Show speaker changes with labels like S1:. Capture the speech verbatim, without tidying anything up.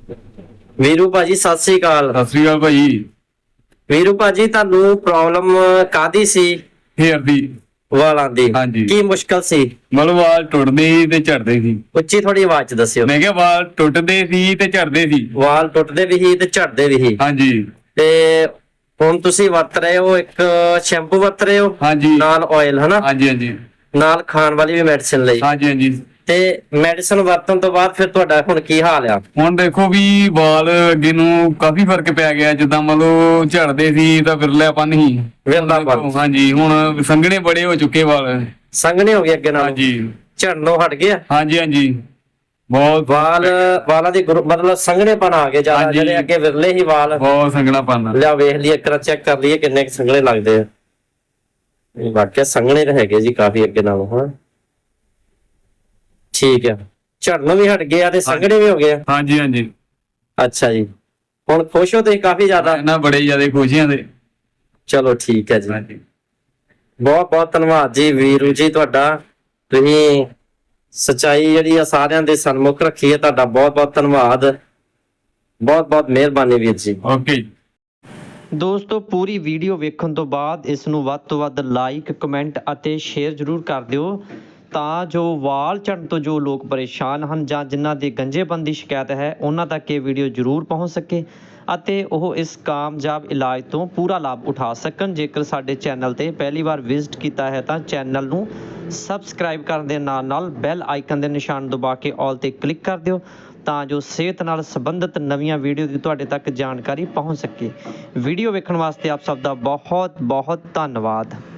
S1: ਵੀਰੂ ਭਾਜੀ ਸਤਿ ਸ੍ਰੀ ਅਕਾਲ।
S2: ਸਤਿ ਸ੍ਰੀ ਅਕਾਲ ਭਾਈ।
S1: ਵੀਰੂ ਭਾਜੀ ਤੁਹਾਨੂੰ ਪ੍ਰੋਬਲਮ ਕਾਦੀ ਸੀ?
S2: ਹੇਅਰ ਦੀ।
S1: ਵਾਲਾਂ ਦੀ।
S2: ਹਾਂਜੀ।
S1: ਕੀ ਮੁਸ਼ਕਲ ਸੀ?
S2: ਮਤਲਬ ਵਾਲ ਟੁੱਟਦੇ ਸੀ ਤੇ ਝੜਦੇ ਸੀ।
S1: ਉੱਚੀ ਥੋੜੀ ਆਵਾਜ਼ ਚ ਦੱਸਿਓ।
S2: ਮੈਂ ਕਿਹਾ ਵਾਲ ਟੁੱਟਦੇ ਸੀ ਤੇ ਝੜਦੇ ਸੀ।
S1: ਵਾਲ ਟੁੱਟਦੇ ਵੀ ਸੀ ਤੇ ਝੜਦੇ ਵੀ ਸੀ।
S2: ਹਾਂਜੀ।
S1: ਤੇ ਹੁਣ ਤੁਸੀਂ ਵਰਤ ਰਹੇ ਹੋ, ਇੱਕ ਸ਼ੈਂਪੂ ਵਰਤ ਰਹੇ ਹੋ
S2: ਹਾਂਜੀ।
S1: ਨਾਲ ਆਇਲ, ਹਨਾ?
S2: ਹਾਂਜੀ ਹਾਂਜੀ
S1: ਨਾਲ ਖਾਣ ਵਾਲੀ ਵੀ ਮੈਡੀਸਿਨ ਲਈ।
S2: ਹਾਂਜੀ ਹਾਂਜੀ।
S1: ਤੇ ਮੈਡੀਸਿਨ ਵਰਤਣ ਤੋਂ ਬਾਅਦ ਫਿਰ ਤੁਹਾਡਾ ਹੁਣ ਕੀ ਹਾਲ ਆ?
S2: ਹੁਣ ਦੇਖੋ ਵੀ ਵਾਲ ਅੱਗੇ ਨੂੰ ਕਾਫੀ ਫਰਕ ਪੈ ਗਿਆ। ਜਿੱਦਾਂ ਮਤਲਬ ਝੜਦੇ ਸੀ ਤਾਂ ਵਿਰਲਾਪਨ ਸੀ।
S1: ਵਿਰਲਾਪਨ।
S2: ਹਾਂਜੀ। ਹੁਣ ਸੰਘਣੇ ਬੜੇ ਹੋ ਚੁੱਕੇ ਵਾਲ।
S1: ਸੰਘਣੇ ਹੋ ਗਏ ਅੱਗੇ ਨਾਲ?
S2: ਹਾਂਜੀ।
S1: ਝੜਨੋਂ ਹਟ ਗਿਆ?
S2: ਹਾਂਜੀ ਹਾਂਜੀ। ਬਹੁਤ
S1: ਵਾਲ ਵਾਲਾਂ ਦੀ ਗਰੋ- ਮਤਲਬ ਸੰਘਣੇਪਨ ਆ ਗਏ ਜ਼ਿਆਦਾ।
S2: ਹਾਂਜੀ।
S1: ਜਿਹੜੇ ਅੱਗੇ ਵਿਰਲੇ ਹੀ ਵਾਲ।
S2: ਬਹੁਤ ਸੰਘਣਾਪਨ।
S1: ਲਿਆ ਵੇਖ ਲਈਏ, ਇੱਕ ਵਾਰ ਚੈੱਕ ਕਰ ਲਈਏ ਕਿੰਨੇ ਕੁ ਸੰਘਣੇ ਲੱਗਦੇ ਆ। ਇਹ ਵਾਕਿਆ ਸੰਘਣੇ ਤਾਂ ਹੈਗੇ ਜੀ ਕਾਫੀ ਅੱਗੇ ਨਾਲੋਂ। ਹਾਂ ਠੀਕ ਆ। ਝੜਨੋਂ ਵੀ ਹਟ ਗਏ ਆ ਤੇ ਸੰਘਣੇ ਵੀ ਹੋ ਗਏ ਆ।
S2: ਹਾਂਜੀ ਹਾਂਜੀ।
S1: ਅੱਛਾ ਜੀ। ਹੁਣ ਖੁਸ਼ ਹੋ ਤੁਸੀਂ ਕਾਫੀ ਜ਼ਿਆਦਾ?
S2: ਇਹਨਾਂ ਬੜੇ ਜ਼ਿਆਦਾ ਖੁਸ਼ੀਆਂ ਦੇ।
S1: ਚਲੋ ਠੀਕ ਹੈ ਜੀ।
S2: ਹਾਂਜੀ।
S1: ਬਹੁਤ ਬਹੁਤ ਧੰਨਵਾਦ ਜੀ ਵੀਰੂ ਜੀ ਤੁਹਾਡਾ। ਤੁਸੀਂ ਸੱਚਾਈ ਜਿਹੜੀ ਆ ਸਾਰਿਆਂ ਦੇ ਸਨਮੁਖ ਰੱਖੀ ਹੈ। ਤੁਹਾਡਾ ਬਹੁਤ ਬਹੁਤ ਧੰਨਵਾਦ। ਬਹੁਤ ਬਹੁਤ ਮਿਹਰਬਾਨੀ ਵੀਰ ਜੀ।
S2: ਓਕੇ।
S3: ਦੋਸਤੋ, ਪੂਰੀ ਵੀਡੀਓ ਵੇਖਣ ਤੋਂ ਬਾਅਦ ਇਸ ਨੂੰ ਵੱਧ ਤੋਂ ਵੱਧ ਲਾਈਕ, ਕਮੈਂਟ ਅਤੇ ਸ਼ੇਅਰ ਜ਼ਰੂਰ ਕਰ ਦਿਓ, ਤਾਂ ਜੋ ਵਾਲ ਝੜਨ ਤੋਂ ਜੋ ਲੋਕ ਪਰੇਸ਼ਾਨ ਹਨ ਜਾਂ ਜਿਨ੍ਹਾਂ ਦੀ ਗੰਜੇਪਨ ਦੀ ਸ਼ਿਕਾਇਤ ਹੈ, ਉਹਨਾਂ ਤੱਕ ਇਹ ਵੀਡੀਓ ਜ਼ਰੂਰ ਪਹੁੰਚ ਸਕੇ ਅਤੇ ਉਹ ਇਸ ਕਾਮਯਾਬ ਇਲਾਜ ਤੋਂ ਪੂਰਾ ਲਾਭ ਉਠਾ ਸਕਣ। ਜੇਕਰ ਸਾਡੇ ਚੈਨਲ ਤੇ ਪਹਿਲੀ ਵਾਰ ਵਿਜ਼ਿਟ ਕੀਤਾ ਹੈ ਤਾਂ ਚੈਨਲ ਨੂੰ ਸਬਸਕ੍ਰਾਈਬ ਕਰਨ ਦੇ ਨਾਲ ਨਾਲ ਬੈਲ ਆਈਕਨ ਦੇ ਨਿਸ਼ਾਨ ਦਬਾ ਕੇ ਆਲ ਤੇ ਕਲਿੱਕ ਕਰ ਦਿਓ, ਤਾਂ ਜੋ ਸਿਹਤ ਨਾਲ ਸੰਬੰਧਿਤ ਨਵੀਆਂ ਵੀਡੀਓ ਦੀ ਤੁਹਾਡੇ ਤੱਕ ਜਾਣਕਾਰੀ ਪਹੁੰਚ ਸਕੇ। ਵੀਡੀਓ ਵੇਖਣ ਵਾਸਤੇ ਆਪ ਸਭ ਦਾ ਬਹੁਤ ਬਹੁਤ ਧੰਨਵਾਦ।